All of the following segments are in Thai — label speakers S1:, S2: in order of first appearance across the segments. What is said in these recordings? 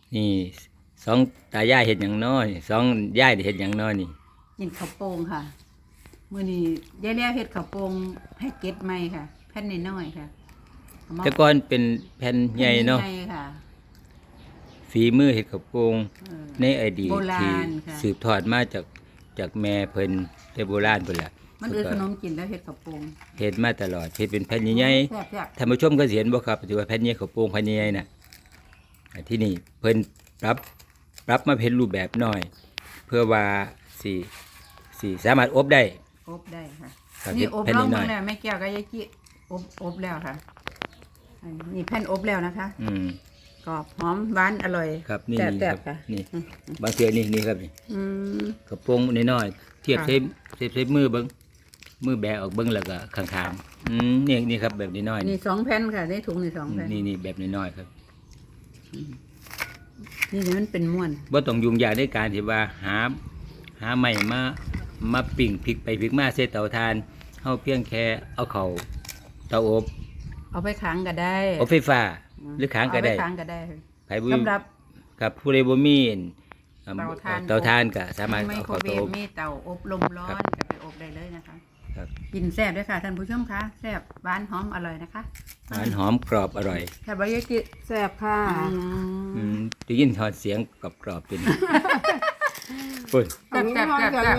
S1: นี่สองตายายเห็ดหยังน้อยสองยายได้เห็ดหยังน้อยนี่
S2: กินข้าวโป่งค่ะมื้อนี้ยายแล้วเฮ็ดข้าวโป่งแพ็กเกจใหม่ค่ะแผ่นน้อยๆค่ะเอามา
S1: แต่ก่อนเป็นแผ่นใหญ่เนาะ
S2: แผ่ใหญ่ค่ะ
S1: ฝีมือเห็ดข้าวโพง
S2: เออ
S1: ในอดีต
S2: โบราณ
S1: ที่
S2: ค่ะ
S1: สืบทอดมาจากแม่เพิ่นแต่โบราณพุ่นล่ะ
S2: มันขนมกินแล้วเฮ็ดข้าวโป่ง
S1: เฮ็ดมาตลอดเฮ็ดเป็นแผ่นใหญ่
S2: แซ่บ
S1: ๆท่านผู้ชมก็สิเห็นบ่ครับที่ว่าแผ่นใหญ่ข้าวโพงแผ่นใหญ่ๆน่ะที่นี่เพิ่นปรับมาเป็นรูปแบบน้อย เพื่อว่าสิสามารถอบได้
S2: ๆอบได้ค่ะ
S1: ครับ
S2: นี่อบ
S1: แผ่น
S2: ลอง
S1: น้อยๆ
S2: เบิ่งแล้วแม่แก้วกับยายกี้อบแล้วค่ะอันนี่แผ่นอบแล้วนะคะ
S1: อืม
S2: กรอบหอมหวานอร่อย
S1: ครับนี่
S2: แซ่
S1: นี่ครับ
S2: บๆค่ะ
S1: นี่บางเทื่อนี่ครับนี่
S2: อืม
S1: กระโปรงน้อยๆเทียบ
S2: ค่ะ
S1: ใช้มือเบิ้งมือแบะออกเบิ้งแล้วก็ข้างๆนี่ครับแบบน้อยๆ
S2: นี่2แผ่นค่ะในถุงนี่2แผ่น
S1: นี่แบบน้อยๆครับ
S2: นี่มันเป็นม้วน
S1: บ่ต้องยุ่งยากในการที่ว่าหาไม้มาปิ้งพลิกไปพลิกมาใส่เตาถ่านเฮาเพียงแค่เอาเข้าเตาอบ
S2: เอาไปค้างก็ได้
S1: อบไฟฟ้าหรือค้างก็ได้
S2: เอปค้างก็ได้
S1: ไผบ่
S2: สำหรับ
S1: ครับผู้ใดบ่มีอั่น
S2: เตาถ่าน
S1: เตาถ่านก็สามารถ
S2: ไม
S1: เอา
S2: โคร
S1: เข้า
S2: เว
S1: เตา
S2: ฟ
S1: อบ
S2: มีเตาอบลมร้อนก็ไปอบได้เลยนะคะ
S1: ครับ
S2: กินแซ่บด้วยค่ะท่านผู้ชมคะแซ่บหวานหอมอร่อยนะคะ
S1: หวานหอมกรอบอร่อย
S2: แค่บายากิแซ่บค่ะ
S1: ได้ยินทอดเสียงกรอบๆเป็น ปุ่น
S2: แซ่บแซ่บแซ่บแซ่บ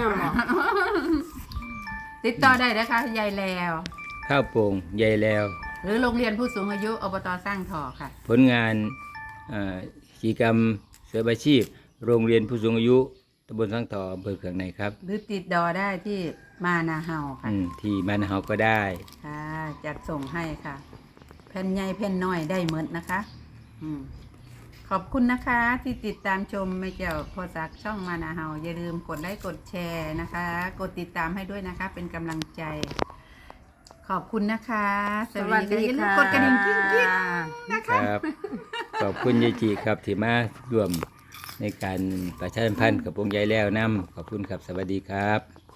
S2: ติดต่อได้นะคะยายแล้ว
S1: ข้าวโป่งใหญ่แล้ว
S2: หรือโรงเรียนผู้สูงอายุอบตสร้างทอค่ะ
S1: ผลงานกิจกรรมเสริมอาชีพ โรงเรียนผู้สูงอายุตำบลสังทออำเภอเขืองในครับ
S2: หรือติดดอได้ที่มานาเฮาค่ะ
S1: ที่บ้านเฮาก็ได้
S2: ค่ะจัดส่งให้ค่ะแผ่นใหญ่แผ่นน้อยได้เหมือนนะคะขอบคุณนะคะที่ติดตามชมไม่เกี่ยวโพสักช่องมานาเฮาอย่าลืมกดไลค์กดแชร์นะคะ กดติดตามให้ด้วยนะคะ เป็นกำลังใจ ขอบคุณนะคะอย่าลืมกดกระดิ่งกิ๊งๆนะคะ
S1: ครับ ขอบคุณยายจีครับที่มาร่วมในการประชาสัมพันธ์กับวงใหญ่แล้วนำขอบคุณครับสวัสดีครับ